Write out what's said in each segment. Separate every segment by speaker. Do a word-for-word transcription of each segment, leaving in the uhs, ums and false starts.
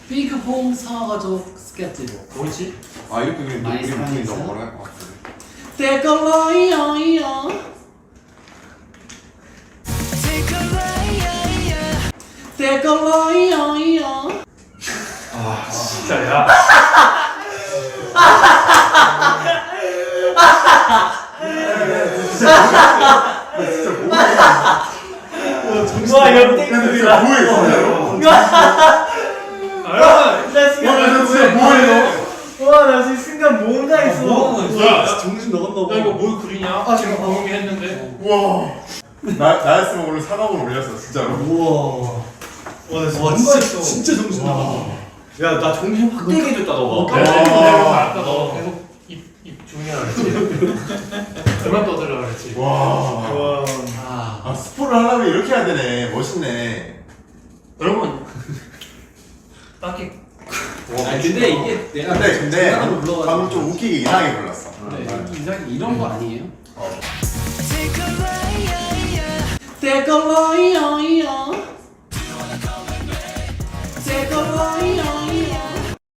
Speaker 1: 빅홈 사과족 스케치북.
Speaker 2: 뭐지?
Speaker 3: 아 이렇게 그냥
Speaker 1: 많이
Speaker 3: 우리 분이
Speaker 1: 사랑했어?
Speaker 3: 너무 뭐라 할것 같은데.
Speaker 1: 데컬러이어이어 데컬러이어이어.
Speaker 2: 아 진짜 야.
Speaker 4: 와 역대급이다.
Speaker 3: 뭐해 진짜로?
Speaker 2: 아,
Speaker 4: 나 지금
Speaker 3: 와 진짜 뭐해
Speaker 4: 와나 지금 순간 뭔가 했어.
Speaker 2: 야,
Speaker 1: 정신 나갔나 봐.
Speaker 2: 야 이거 뭘 그리냐?
Speaker 1: 아,
Speaker 2: 지금
Speaker 1: 잠깐만.
Speaker 2: 보기 했는데.
Speaker 3: 우와 나, 나였으면 오늘 사각으로 올렸어 진짜로.
Speaker 1: 우와.
Speaker 4: 와나 지금
Speaker 1: 와
Speaker 4: 뭔가
Speaker 1: 진짜
Speaker 4: 했어.
Speaker 1: 진짜 정신 나갔다.
Speaker 4: 야나 정신 확 깨게 해줬다 너가.
Speaker 2: 그래서 내가 아까 너 계속 입, 입 조용히 하라 그랬지. 그만 떠들라 그랬지.
Speaker 3: 와.
Speaker 4: 와.
Speaker 1: 아.
Speaker 3: 아 스포를 하려면 이렇게 해야 되네. 멋있네.
Speaker 2: 여러분 딱히
Speaker 1: 아 근데 이게 내가
Speaker 3: 근데 근데
Speaker 1: 중간으로 불러가지고.
Speaker 3: 방금 좀 웃기게 이상하게 불렀어.
Speaker 1: 네, 이상 이런 거 아니에요?
Speaker 3: 어.
Speaker 1: 데컬러이어이어 데컬러이어이어.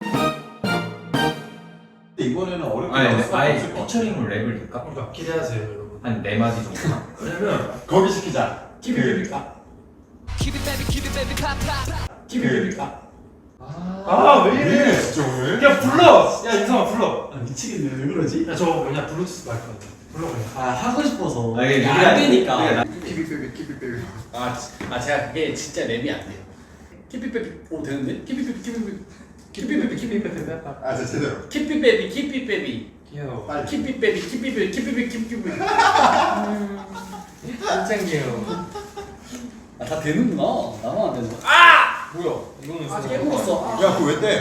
Speaker 3: 이번에는 어렵게
Speaker 5: 아니,
Speaker 3: 나올 수밖에
Speaker 5: 아예
Speaker 3: 없을 것 같아.
Speaker 5: 피처링을 랩을 넣을까?
Speaker 2: 그러니까 기대하세요 여러분.
Speaker 5: 한 네 마디 정도.
Speaker 2: 왜냐면
Speaker 3: 거기 시키자.
Speaker 1: 키비비비카. 키비비비카.
Speaker 2: 아왜
Speaker 3: 왜
Speaker 2: 이래?
Speaker 3: 이래 진짜 오늘?
Speaker 2: 야 불러. 야 인성아 불러.
Speaker 1: 아 미치겠네. 왜 그러지?
Speaker 2: 야 저거 뭐냐 블루투스 마이크 같아. 불러 그냥.
Speaker 1: 아 하고 싶어서.
Speaker 5: 아, 이게
Speaker 1: 야,
Speaker 5: 우리가-
Speaker 1: 안 되니까.
Speaker 5: 우리가
Speaker 3: 키비베비 키비베비.
Speaker 1: 아, 지- 아 제가 그게 진짜 랩이 안 돼요. 키피베비. 오 되는데? 키피베비 키피베비 키피베비 키피베비
Speaker 3: 아 진짜 제대로.
Speaker 1: 키피베비 키피베비
Speaker 2: 귀여워.
Speaker 3: 빨리.
Speaker 1: 키피베비 키피베비 키피베비 키피베비.
Speaker 2: 진짜 귀여워.
Speaker 1: 아다 되는구나. 나만 안 되는 거.
Speaker 2: 뭐야? 이거는
Speaker 1: 아 깨물었어. 아.
Speaker 3: 야 그거 왜 떼?